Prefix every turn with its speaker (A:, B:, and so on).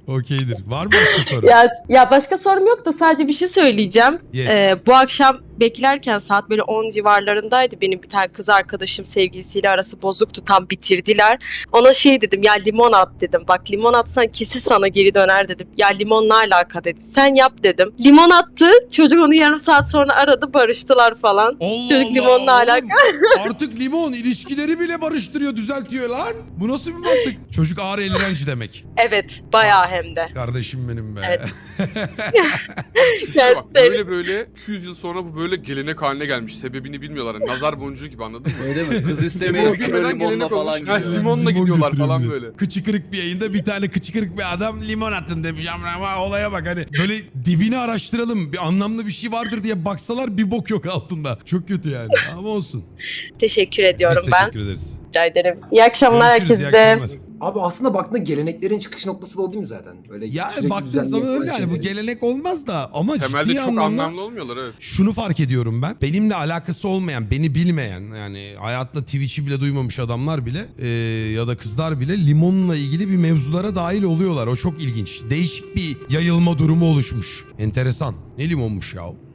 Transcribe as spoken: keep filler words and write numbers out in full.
A: Okeydir. Var mı başka soru?
B: Ya, ya başka sorum yok da sadece bir şey söyleyeceğim.
A: Yes.
B: Ee, bu akşam beklerken saat böyle on civarlarındaydı. Benim bir tane kız arkadaşım sevgilisiyle arası bozuktu. Tam bitirdiler. Ona şey dedim, ya limon at dedim. Bak limon atsan kesin sana geri döner dedim. Ya limonla alaka dedi. Sen yap dedim. Limon attı. Çocuk onu yarım saat sonra aradı, barıştılar falan.
A: Allah
B: Çocuk
A: Allah,
B: limonla
A: oğlum.
B: alaka.
A: Artık limon ilişkileri bile barıştırıyor, düzeltiyor lan. Bu nasıl bir mantık? Çocuk ağır elrenci demek.
B: Evet, bayağı hem de.
A: Kardeşim benim be.
B: Evet.
C: Düşünsene bak,
B: Yani
C: böyle böyle iki yüz yıl sonra bu böyle gelenek haline gelmiş. Sebebini bilmiyorlar. Yani nazar boncuğu gibi, anladın mı?
D: Öyle mi? Kız istemeye
C: Limon
D: gidiyor
C: bilmeden
D: limonla
C: gelenek
D: falan
C: olmuş. Ha,
D: gidiyor.
C: limonla
A: Limon
C: gidiyorlar
A: götürüyor
C: falan
A: bir de.
C: böyle.
A: Kıçı kırık bir yayında bir tane kıçı kırık bir adam limon attın demiş. Ama olaya bak, hani böyle dibini araştıralım. Bir anlamlı bir şey vardır diye baksalar bir bok yok altında. Çok kötü yani. Ama olsun.
B: teşekkür ediyorum
A: Biz
B: ben.
A: teşekkür ederiz.
B: Rica ederim. İyi akşamlar
A: Görüşürüz, iyi
B: herkese.
A: akşamlar.
E: Abi aslında baktığında geleneklerin çıkış noktası da o değil mi zaten? Böyle
A: Ya
E: sürekli
A: baktığın
E: düzenli
A: zaman
E: yapılan
A: öyle yani, bu
E: şeyleri.
A: gelenek olmaz da ama
C: Temelde
A: ciddi
C: çok
A: anlamda
C: anlamlı olmuyorlar, evet.
A: şunu fark ediyorum ben. Benimle alakası olmayan, beni bilmeyen, yani hayatta Twitch'i bile duymamış adamlar bile e, ya da kızlar bile limonla ilgili bir mevzulara dahil oluyorlar. O çok ilginç. Değişik bir yayılma durumu oluşmuş. Enteresan. Ne limonmuş ya?